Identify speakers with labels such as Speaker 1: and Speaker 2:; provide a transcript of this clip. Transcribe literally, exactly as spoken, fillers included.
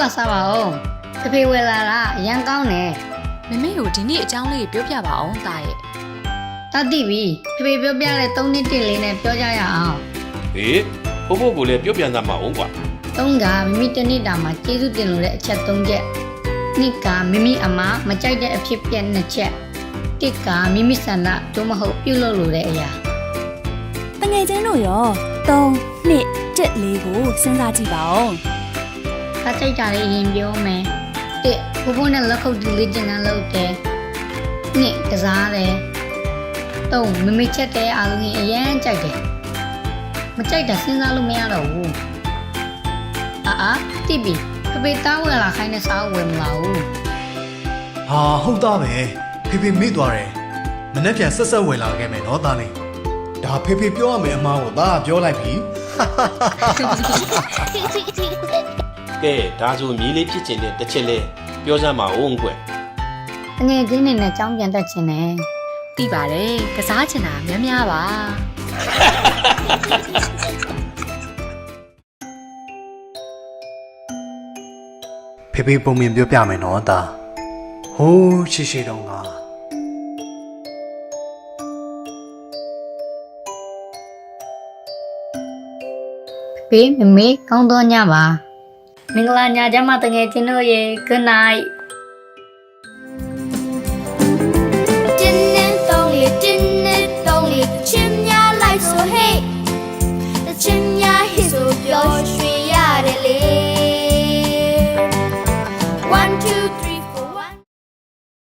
Speaker 1: ပါစားပါဦးဖေဖေဝယ်လာတာအရန်ကောင်းတယ်
Speaker 2: မမေကိုဒီနေ့အကြောင်းလေးပြောပြပါအောင်တာရဲ့
Speaker 1: တတ်သိပြီဖေဖေပြောပြတဲ့သုံးနှစ်တစ်လေးနဲ့ပြောကြရအောင်
Speaker 3: ဟေးဖိုးဖိုးကိုလည်းပြုတ်ပြန်သားမအောင်ကွာ
Speaker 1: သုံးကမိမိတစ်နှစ်တာမှာကျေးဇူးတင်လို့တဲ့အချက်သုံးချက်နှစ်ကမိမိအမမကြိုက်တဲ့အဖြစ်ပြက်နှစ်ချက်တစ်ကမိမိဆန္ဒတို့မဟုတ်ပြုလုပ်လို့တဲ့အရာ
Speaker 4: တငယ်ချင်းတို့ရောသုံးနှစ်တစ်လေးကိုစဉ်းစားကြည့်ပါဦး
Speaker 1: တကြိုက်တာလေးရင်ပြောမယ်တစ်ဖိုးဖိုးနဲ့လက်ခုပ်တီလေးကျင်နှံလုပ်တယ်နှစ်ကစားတယ်သုံးမိမိချက်တဲ့အားလုံးကြီးအရန်ကြိုက်တယ်မကြိုက်တာစဉ်းစားလို့မရတော့ဘူးအာအာတိပီဖေဖေတောင်းဝယ်လာခိုင်းတဲ့စားဝယ်မလာဘူး
Speaker 5: ဟာဟုတ်သားပဲဖေဖေမေ့သွားတယ်မနေ့ပြန်ဆက်ဆက်ဝင်လာခဲ့မယ်နော်သားလေးဒါဖေဖေပြောရမယ်အမားကိုသားပြောလိုက်ပြီ
Speaker 3: ကဲဒါဆိုမြေးလေးဖြစ်ချင်တဲ့တစ်ချက်လဲပြောစမ်းပါဦးကွယ်
Speaker 1: ငယ်ချင်းနေနဲ့ကြောင်းပြန်တက်ချင်တယ်
Speaker 2: သိပါတယ်ကစားချင်တာများများပါ
Speaker 5: ဖေဖေပုံမြင်ပြောပြမယ်နော်သားဟိုးရှိရှိတုန်းက
Speaker 1: ဖေမမေကောင်းတော့ညပါမင်္ဂလာညချမ်းမတငယ်ချင်းတို့ရေ good night